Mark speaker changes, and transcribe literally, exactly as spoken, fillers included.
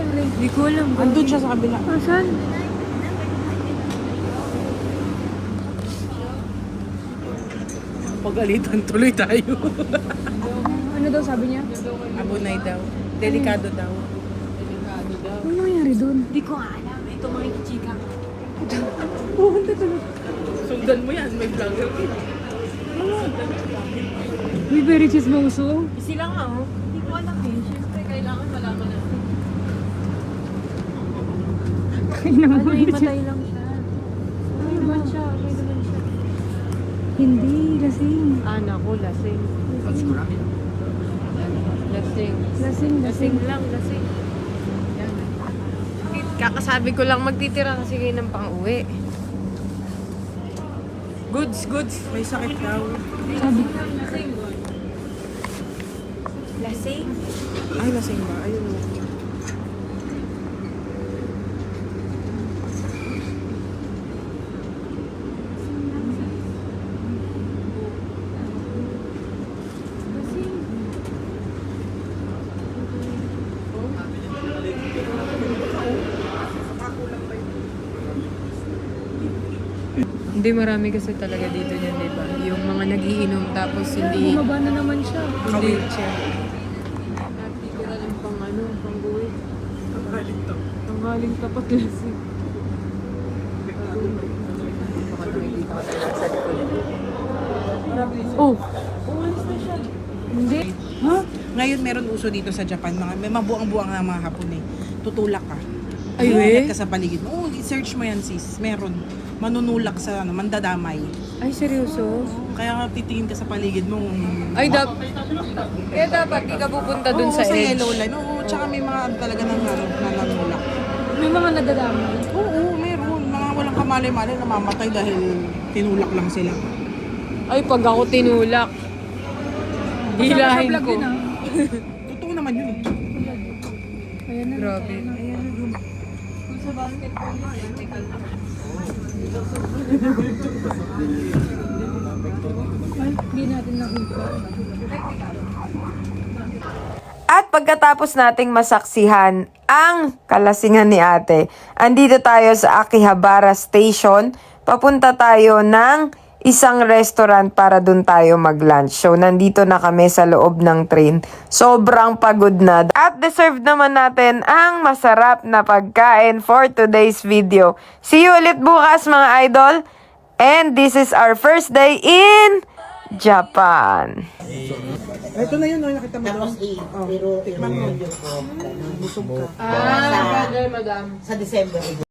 Speaker 1: pre?
Speaker 2: Hindi ko alam.
Speaker 3: Andun siya sa kabila.
Speaker 1: Asan?
Speaker 3: Pagalitan tuloy tayo.
Speaker 1: Ano daw sabi niya?
Speaker 3: Abunay daw. Delikado daw.
Speaker 1: Ano nangyari doon?
Speaker 2: Hindi ko alam. Ito makikichika.
Speaker 1: Pupunta talaga.
Speaker 3: Sundan mo yan, may vlogger ka.
Speaker 1: Uy, very chismoso.
Speaker 2: Sila nga oh. Hindi ko alam eh. Siyempre kailangan malaman natin.
Speaker 1: Ay, naman
Speaker 2: Ano yung matay lang siya. Ano naman siya? Ano naman siya?
Speaker 1: Hindi, lasing.
Speaker 2: Ah, naku, lasing. Lasing.
Speaker 1: Lasing,
Speaker 2: Lasing
Speaker 1: lasing.
Speaker 2: lang, lasing. Yan. Kakasabi ko lang magtitira kasi kayo ng pang-uwi. Goods, goods.
Speaker 3: May sakit daw.
Speaker 1: Sabi,
Speaker 2: Lasing. Lasing?
Speaker 3: Ay, lasing ba? Ayun.
Speaker 2: Hindi, marami kasi talaga dito niyan, di ba? Yung mga nagiinom tapos hindi...
Speaker 1: bumaba na naman siya.
Speaker 3: Ka-wheelchair.
Speaker 2: Hindi ko alam pang ano, pang guwit.
Speaker 3: Galing to.
Speaker 2: Ang galing tapat lasing. Baka nakikita ko talaga sa likod. Oh! Umalis na siya. Hindi.
Speaker 3: Ha? Ngayon meron uso dito sa Japan. Mga, may mabuang-buang na mga hapon eh. Tutulak ka.
Speaker 2: Ay,
Speaker 3: Ingat
Speaker 2: we?
Speaker 3: ka sa paligid mo. Oh, i-search mo yan sis. Meron. Manunulak sa ano, mandadamay.
Speaker 2: Ay, seryoso?
Speaker 3: Kaya nga titingin ka sa paligid mo.
Speaker 2: Ay, dap... Kaya dapat di ka pupunta dun
Speaker 3: Oo,
Speaker 2: sa,
Speaker 3: sa
Speaker 2: edge.
Speaker 3: yellow line. Oo, tsaka may mga ano talaga nang ano, nananulak.
Speaker 1: May mga nadadamay.
Speaker 3: Oo, meron. Mga walang kamalay-malay namamatay dahil tinulak lang sila.
Speaker 2: Ay, pag ako tinulak, hilahin
Speaker 1: Sa vlog
Speaker 2: ko.
Speaker 1: yun, ah.
Speaker 3: Totoo naman yun.
Speaker 1: Ayan na.
Speaker 2: Grabe.
Speaker 1: Ay, hindi natin nakita.
Speaker 4: At pagkatapos nating masaksihan ang kalasingan ni ate, andito tayo sa Akihabara Station. Papunta tayo ng isang restaurant para dun tayo mag-lunch. So, nandito na kami sa loob ng train. Sobrang pagod na. At deserve naman natin ang masarap na pagkain for today's video. See you ulit bukas mga idol. And this is our first day in Japan.
Speaker 3: Ito na yun, no, nakita mo doon.
Speaker 5: Tapos eight, pero pero yun ko.
Speaker 3: Busog ka.
Speaker 2: Ah, brother, madam.
Speaker 5: Sa December.